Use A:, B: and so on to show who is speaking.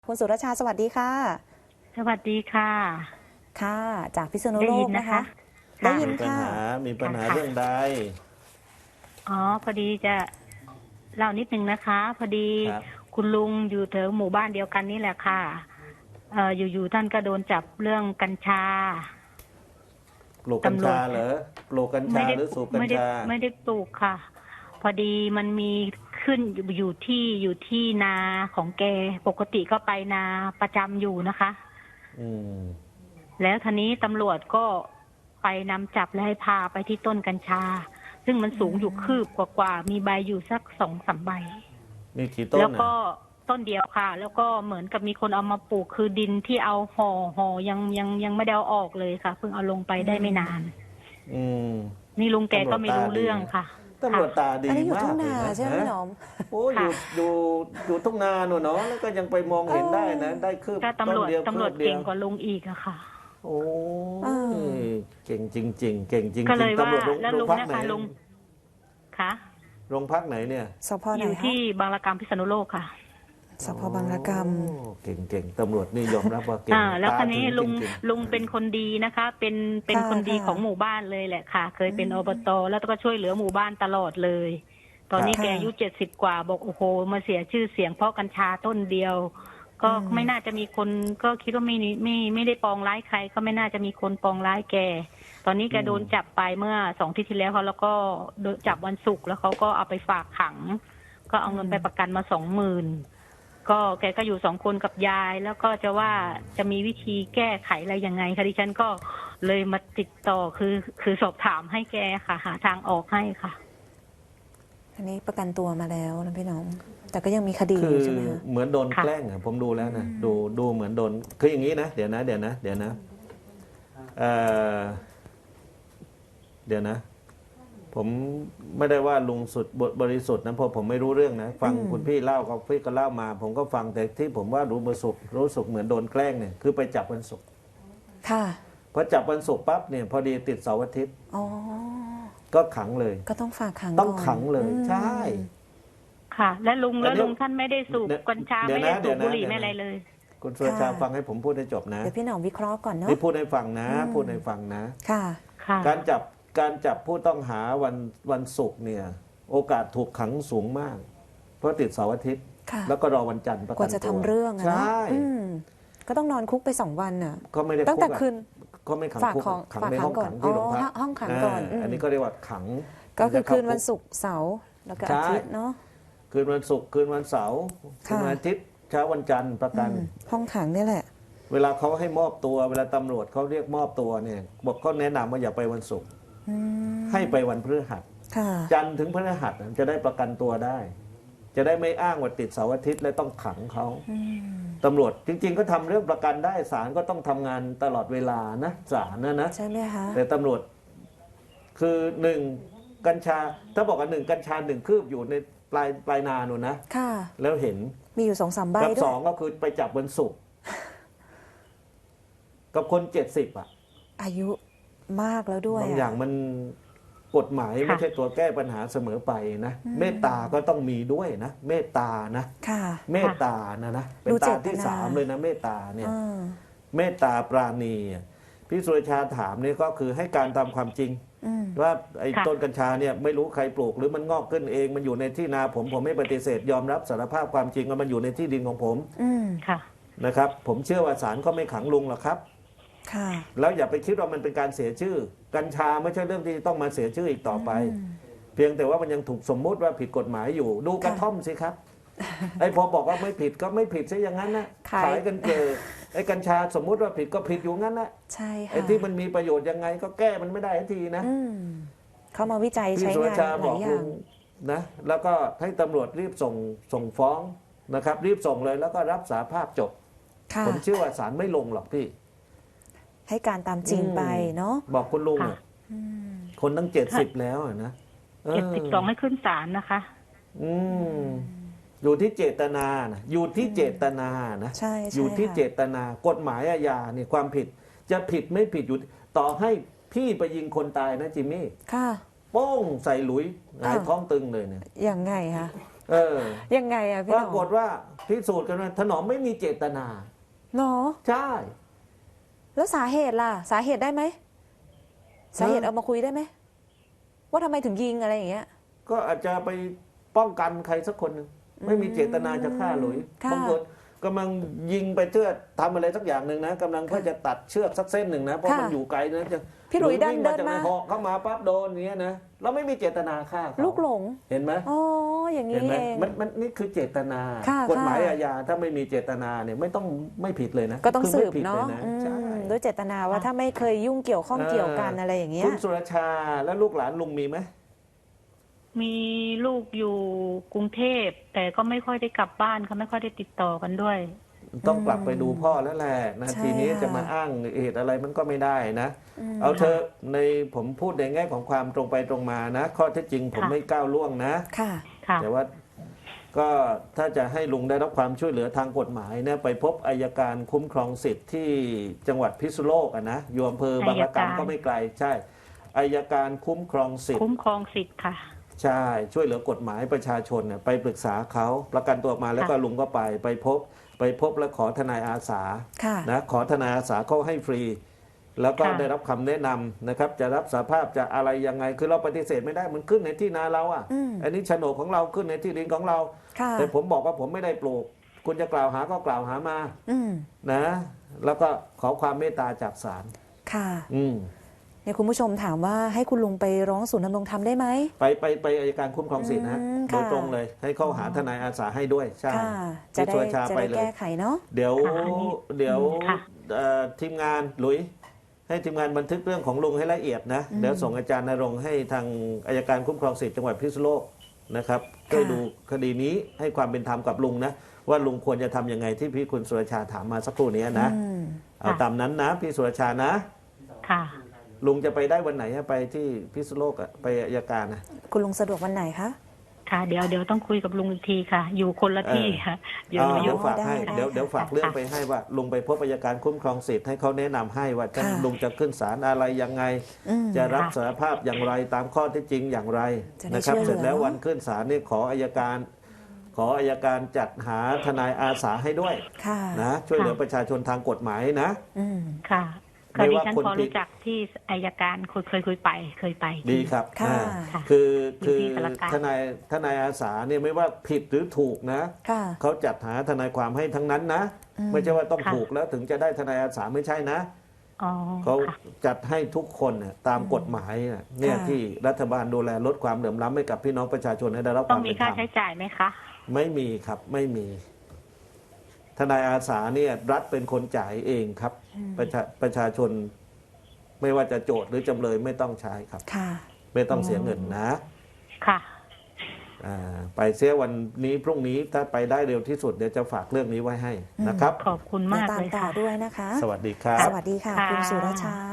A: คุณสุรชาสวัสดีค่ะ
B: สวัสดีค่ะ
A: ค่ะจากพิษณุ
B: ได้
A: โล
B: ยิ
A: ก
B: นนะ
A: นะคะ
B: คะ
A: ได้
B: ค่ะ
A: ยิน
C: มีปัญ
A: ค่ะ
C: หามีปัญหา
B: ค่ะ
C: เรื่องใด
B: อ๋อพอดีจะเล่านิดนึงนะคะพอดี
C: ครับ
B: คุณลุงอยู่แถวหมู่บ้านเดียวกันนี่แหละค่ะอยู่ๆท่านก็โดนจับเรื่องกัญชา
C: ปลูกกัญ
B: ตำรวจ
C: ชาเหรอปลูกกัญ
B: ไม่ได้
C: ชาหรือสูบกัญ
B: ไม่ได้
C: ชา
B: ไม่ได้ปลูกค่ะพอดีมันมีขึ้นอยู่ที่นาของแกปกติก็ไปนาประจำอยู่นะคะ
C: อืม
B: แล้วทีนี้ตำรวจก็ไปนำจับและให้พาไปที่ต้นกัญชาซึ่งมันสูงอยู่คืบกว่ามีใบอยู่สัก2-3 ใบ
C: มีกี่ต้น
B: แล้ว
C: อ่ะ
B: ก็ต้นเดียวค่ะแล้วก็เหมือนกับมีคนเอามาปลูกคือดินที่เอาห่อยังไม่ได้เอาออกเลยค่ะเพิ่งเอาลงไปได้ไม่นาน
C: อืม
B: นี่ลุงแกก็ไม่รู้เรื่องค่ะ
C: ตำรวจตาดี
A: อันนี้อยู่
C: มา
A: ทุ่งนา
C: กเลยนะ
A: ใช่ไหมพี่หนอม
C: โอ้
B: ค่ะ
C: อยู่ทุ่งนาหนูเนาะแล้วก็ยังไปมองเห็นได้นะได้คืบ
B: ถ้า
C: ต้น
B: ตำรวจ
C: เดียวคืบเดี
B: เก่
C: ยว
B: งกว่าลุงอีกอะค่ะ
C: โอ้
A: เออ
C: เก่งจริงๆเก่งจริง
B: ก็เลยว่า
C: ๆตำรวจ
B: แล้วลุง
C: พัก
B: นะ
C: ไหน
B: คะลุงค่ะ
C: โรงพักไหนเนี่ย
A: สพไหน
B: อยู่
A: คะ
B: ที่บางระกำพิษณุโลกค่ะ
A: สพบางระก
C: โอ้เก่งตำรวจนี่ยอมรับว่าเก่ง
B: แล้วคราวนี้
C: ตาถึง
B: ลุง
C: จริง
B: ลุงเป็นคนดีนะคะ เป็นคนดีของหมู่บ้านเลยแหละค่ะ เคยเป็นอบตแล้วก็ช่วยเหลือหมู่บ้านตลอดเลย ตอนนี้แกอายุ70 กว่าบอกโอ้โหมาเสียชื่อเสียงเพราะกัญชาต้นเดียว ก็ไม่น่าจะมีคนก็คิดว่าไม่ได้ปองร้ายใคร ก็ไม่น่าจะมีคนปองร้ายแก ตอนนี้แกโดนจับไปเมื่อ2 อาทิตย์ที่แล้วเขาแล้วก็โดนจับวันศุกร์แล้วเขาก็เอาไปฝากขัง ก็เอาเงินไปประกันมา20,000ก็แกก็อยู่2 คนกับยายแล้วก็จะว่าจะมีวิธีแก้ไขอะไรยังไงคะดิฉันก็เลยมาติดต่อคือสอบถามให้แกค่ะหาทางออกให้ค่ะ
A: อันนี้ประกันตัวมาแล้วนะพี่หนอมแต่ก็ยังมีคดี
C: คื
A: อยู่
C: อ
A: ใช่ไหมคะ
C: เหมือนโดน
B: ค่ะ
C: แกล้งอะผมดูแล้วนะดูเหมือนโดนคืออย่างนี้นะเดี๋ยวนะเอ่อเดี๋ยวนะ ผมไม่ได้ว่าลุงสุดบริสุทธิ์นะเพราะผมไม่รู้เรื่องนะฟังคุณพี่เล่าก็พี่ก็เล่ามา ผมก็ฟังแต่ที่ผมว่ารู้สึกเหมือนโดนแกล้งเนี่ยคือไปจับวันศุกร์
A: ค่ะ
C: พอจับวันศุกร์ปั๊บเนี่ยพอดีติดเสาร์อาทิตย์
A: อ๋อ
C: ก็ขังเลย
A: ก็ต้องฝากขัง
C: ต้อง
A: ก่น
C: ขังเลย ใช่
B: ค่ะ และลุงท่านไม่ได้สูบกัญชาไม่ได้สูบบุหรี่ไม่อะไรเลย
C: คุณสุรชาฟังให้ผมพูดให้จบนะ
A: เดี๋ยวพี่หนอมวิเคราะห์ก่อนเนาะ
C: นี่พูดให้ฟังนะพูดให้ฟังนะ
A: ค่ะ
B: ค่ะ
C: การจับผู้ต้องหาวันศุกร์เนี่ย โอกาสถูกขังสูงมาก เพราะติดเสาร์อาทิตย์
A: ค่ะ
C: แล้วก็รอวันจันทร์ประกัน
A: กว่าจะ
C: ตัว
A: ทำเรื่องอะ
C: ใช
A: เนาะ
C: ่
A: ก็ต้องนอนคุกไป2 วันน่ะ
C: ก็ไม่ได้
A: ตั้งแต่
C: คุกอะ
A: คืน
C: ก็ไม่ขัง
A: ฝาก
C: คุก
A: ของ
C: ขัง
A: ฝาก
C: ใน
A: ขั
C: ห้
A: ง
C: อง
A: ก่อน
C: ขังที่โรงพัก
A: ห้องขังก่อน
C: อันนี้ก็เรียกว่าขัง
A: ก็คือคืนวัน
C: กร์
A: ศุกร์เสาร์แล้วก็อาทิตย์เนาะ
C: คืนวันศุกร์คืนวันเสาร์คืนวันอาทิตย์เช้าวันจันทร์ประกัน
A: ห้องขังนี่แหละ
C: เวลาเขาให้มอบตัวเวลาตำรวจเขาเรียกมอบตัวเนี่ยบอกเขาแนะนำว่าอย่าไปวันศุกร์ให้ไปวันพฤหัส
A: ค่ะ
C: จันทร์ถึงพฤหัสจะได้ประกันตัวได้ จะได้ไม่อ้างว่าติดเสาร์อาทิตย์และต้องขังเขาตำรวจจริงๆก็ทำเรื่องประกันได้ศาลก็ต้องทำงานตลอดเวลานะศาลนะ
A: ใช่ไหมคะ
C: แต่ตำรวจคือ1กัญชาถ้าบอกว่า1กัญชา1คืบอยู่ในปลายนาหนูนะ
A: ค่ะ
C: แล้วเห็น
A: มีอยู่2-3 ใบ
C: กับ
A: ด้วย
C: 2ก็คือไปจับวันศุกร์กับคน70อ่ะ
A: อายุมากแล้วด้วย
C: บางอย่างมันกฎหมายไม่ใช่ตัวแก้ปัญหาเสมอไปนะเมตตาก็ต้องมีด้วยนะเมตตานะ
A: ค่ะ
C: เมตตานะเป็น
A: ดูเจ
C: ตา
A: ตนา
C: ที่3เลยนะเมตตาเนี่ย
A: อ่า
C: เมตตาปราณีพี่สุรชาถามนี่ก็คือให้การตามความจริง ว่าไอ้
B: ค่ะ
C: ต้นกัญชาเนี่ยไม่รู้ใครปลูกหรือมันงอกขึ้นเองมันอยู่ในที่นาผมไม่ปฏิเสธยอมรับสารภาพความจริงว่ามันอยู่ในที่ดินของผม
B: ค่ะ
C: นะครับ ผมเชื่อว่าศาลก็ไม่ขังลุงหรอกครับ
A: ค่ะ
C: แล้วอย่าไปคิดว่ามันเป็นการเสียชื่อ กัญชาไม่ใช่เรื่องที่ต้องมาเสียชื่ออีกต่อไป เพียงแต่ว่ามันยังถูกสมมุติว่าผิดกฎหมายอยู่ ดูกระท่อมสิครับ ไอ้พอบอกว่าไม่ผิดก็ไม่ผิดซะอย่างนั้นนะ
A: ขาย
C: กันเกิดไอ้กัญชาสมมุติว่าผิดก็ผิดอยู่งั้นนะ
A: ใช่ค่ะ
C: ไอ้ที่มันมีประโยชน์ยังไงก็แก้มันไม่ได้ทันทีนะ
A: เขามาวิจัย
C: พี่
A: ใช้
C: สุร
A: งาน
C: ชา
A: ห
C: บ
A: ลา
C: อย ก
A: อ
C: ลุ
A: ย่าง
C: งนะแล้วก็ให้ตำรวจรีบส่งฟ้องนะครับ รีบส่งเลยแล้วก็รับสาภาพจบ
A: ค่ะ
C: ผมเชื่อว่าศาลไม่ลงหรอกพี่
A: ให้การตามจริงไปเนาะ
C: บอกคุณลุง
B: ค่ะ
C: อะคนตั้ง70แล้วอะนะ
B: 72ให้ขึ้นศาลนะคะ
C: อืมอยู่ที่เจตนานะอยู่ที่เจตนานะ
A: ใช่ใช่
C: อยู่ที่
A: ค่ะ
C: เจตนากฎหมายอาญาเนี่ยความผิดจะผิดไม่ผิดอยู่ต่อให้พี่ไปยิงคนตายนะจิมมี่
A: ค่ะ
C: โป้งใส่หลุยหงาย
A: อ้าว
C: ท้องตึงเลยเนี่ย
A: อย่างไงคะ
C: เออ
A: ยังไงอะพี่
C: ป
A: หน
C: รา
A: อม
C: กฏว่าพิสูจน์กันว่าถนอมไม่มีเจตนา
A: เนาะ
C: ใช่
A: แล้วสาเหตุล่ะ สาเหตุได้ไหมสาเหตุเอามาคุยได้ไหมว่าทำไมถึงยิงอะไรอย่างเงี้ย
C: ก็อาจจะไปป้องกันใครสักคนหนึ่งไม่มีเจตนาจะฆ่าหลุย
A: ค่ะ
C: บางคนกำลังยิงไปเพื่อทำอะไรสักอย่างหนึ่งนะกำลังเพื่อจะตัดเชือกสักเส้นหนึ่งนะเพราะ
A: ค่ะ
C: มันอยู่ไกลนะจะ
A: พี่หลุยเดิน
C: วิ่ง
A: เดิน
C: จาก
A: มา
C: ในหอกเข้ามาปั๊บโดนอย่างเงี้ยนะเราไม่มีเจตนาฆ่าเขา
A: ลูกหลง
C: เห็นไหม
A: อ๋ออย่าง
C: เห็
A: นี้
C: นไหม
A: เอง
C: มันนี่คือเจตนา
A: ค่ะ
C: กฎหมาย
A: ค่ะ
C: อาญาถ้าไม่มีเจตนาเนี่ยไม่ผิดเลยนะ
A: ก็ต้อง
C: คื
A: สื
C: ไม่
A: บ
C: ผิด
A: เนาะ
C: ลย
A: อืม
C: ใช่
A: ด้วยเจตนาว่าถ้าไม่เคยยุ่งเกี่ยวข้องเกี่ยวกันอะไรอย่างเงี้ย
C: คุณสุรชาและลูกหลานลุงมีไหม
B: มีลูกอยู่กรุงเทพแต่ก็ไม่ค่อยได้กลับบ้านเขาไม่ค่อยได้ติดต่อกันด้วย
C: ต้องกลับไปดูพ่อแล้วแหละนะ
A: ใช่
C: ทีนี้
A: ค่ะ
C: จะมาอ้างเหตุอะไรมันก็ไม่ได้นะ
A: ม
C: เอาเธอะในผมพูดในแง่ของความตรงไปตรงมานะ ข้อเท็จจริงผม
B: ค่ะ
C: ไม่ก้าวล่วงนะ
A: ค่ะ
B: ค่ะ
C: แต่ว่าก็ถ้าจะให้ลุงได้รับความช่วยเหลือทางกฎหมายเนี่ยไปพบอัยการคุ้มครองสิทธิ์ที่จังหวัดพิษณุโลกอะนะอยู่อำเภอบางระกำก็ไม่ไกลใช่อัยการคุ้มครองสิทธิ์
B: คุ้มครองสิทธิ์ค่ะ
C: ใช่ช่วยเหลือกฎหมายประชาชนเนี่ยไปปรึกษาเขาประกันตัวออกมาแล้วก็ลุงก็ไปพบแล้วขอทนายอาสา
A: ค่ะ
C: นะขอทนายอาสาเขาให้ฟรี แล้วก็
B: ค่ะ
C: ได้รับคำแนะนำนะครับ จะรับสาภาพจะอะไรยังไงคือเราปฏิเสธไม่ได้มันขึ้นในที่นาเราอ่ะ
A: อืม
C: อันนี้โฉนดของเราขึ้นในที่ดินของเรา
A: ค่ะ
C: แต่ผมบอกว่าผมไม่ได้ปลูก คุณจะกล่าวหาก็กล่าวหามา
A: อืม
C: นะ แล้วก็ขอความเมตตาจากศาล
A: ค่ะ
C: อืม
A: เนี่ยคุณผู้ชมถามว่าให้คุณลุงไปร้องศูนย์ดำรงธรรมได้ไหม
C: ไปอัยการคุ้มครองสิทธิ์นะ
A: อืม
C: โดย
A: ค่ะ
C: ตรงเลย ให้เขาหาทนายอาสาให้ด้วยใช่
A: ค่ะ จะ
C: พี่
A: ได้
C: สุรชา
A: จะ
C: ไป
A: ได้
C: เลย
A: แก้ไขเนาะ
C: เดี๋ยว
B: ค่ะอันนี้
C: เดี๋ยว
B: ค่ะ
C: ทีมงานหลุย ให้ทีมงานบันทึกเรื่องของลุงให้ละเอียดนะ เดี๋ยวส่งอาจารย์ณรงค์ให้ทางอัยการคุ้มครองสิทธิ์จังหวัดพิษณุโลกนะครับช่วยดูคดีนี้ให้ความเป็นธรรมกับลุงนะว่าลุงควรจะทำยังไงที่พี่คุณสุรชาถามมาสักครู่นี้นะ
A: อืม
C: เอาตามนั้นนะพี่สุรชานะ
B: ค่ะ
C: ลุงจะไปได้วันไหนอะไปที่พิษณุโลกอะไปอัยการนะ
A: คุณลุงสะดวกวันไหนคะ
B: ค่ะ เดี๋ยวต้องคุยกับลุงอีกทีค่ะ อยู่คนละที่ค่ะเดี๋ยว
C: เดี๋
B: เดี๋
C: ย
B: ยว ว
C: ฝากให้
A: ได้
C: เดี๋ยวฝากเรื่องไปให้ว่าลุงไปพบอัยการคุ้มครองสิทธิ์ให้เขาแนะนำให้ว่าจะ
A: ค่ะ
C: ลุงจะขึ้นศาลอะไรยังไง
A: อืม
C: จะรับสารภาพอย่างไรตามข้อเท็จจริงอย่างไร
A: จะได้
C: นะครับ
A: ช่วยเหลือ
C: เสร็จแล้ววันขึ้นศาลนี่ขออัยการจัดหาทนายอาสาให้ด้วย
A: ค่ะ
C: นะช่วยเหลือประชาชนทางกฎหมายนะ
A: อืม
B: ค่ะ
C: ไม่
B: ก็ดิ
C: ว่า
B: ฉัน
C: คน
B: พอ
C: ผิด
B: รู้จักที่อัยการเคยไป
C: ดีครับ
A: ค่ะ
C: อ่า
B: ค่ะ
C: คือ
B: อยู่ที่สารกลาง
C: ทนายอาสาเนี่ยไม่ว่าผิดหรือถูกนะ
A: ค่ะ
C: เขาจัดหาทนายความให้ทั้งนั้นนะ
A: อืม
C: ไม่ใช่ว่าต้อง
B: ค่ะ
C: ถูกแล้วถึงจะได้ทนายอาสาไม่ใช่นะ
B: อ๋อ
C: เขา
B: ค่ะ
C: จัดให้ทุกคนน่ะตามกฎหมายน่ะเนี่ย
A: ค่ะ
C: ที่รัฐบาลดูแลลดความเหลื่อมล้ำให้กับพี่น้องประชาชนให้ได้รับค
B: ต้อ
C: วาง ม
B: มี
C: เป็นธร
B: ค่าร
C: ม
B: ใช้จ่ายไหมคะ
C: ไม่มีครับไม่มี ทนายอาสาเนี่ยรัฐเป็นคนจ่ายเองครับ ประชาชน ไม่ว่าจะโจทย์หรือจำเลยไม่ต้องใช้ครับ
A: ค่ะ
C: ไม่ต้องเสียเงินนะ
B: ค่ะ
C: ไปเสียวันนี้พรุ่งนี้ถ้าไปได้เร็วที่สุดเดี๋ยวจะฝากเรื่องนี้ไว้ให้นะครับ
B: ขอบคุณมาก
A: ตาม
B: เลย
A: ต่อ
B: ค่ะ
A: ด้วยนะคะ
C: สวัสดีครับ
A: สวัสดีค่ะ
B: ค่ะ
A: คุณสุรชา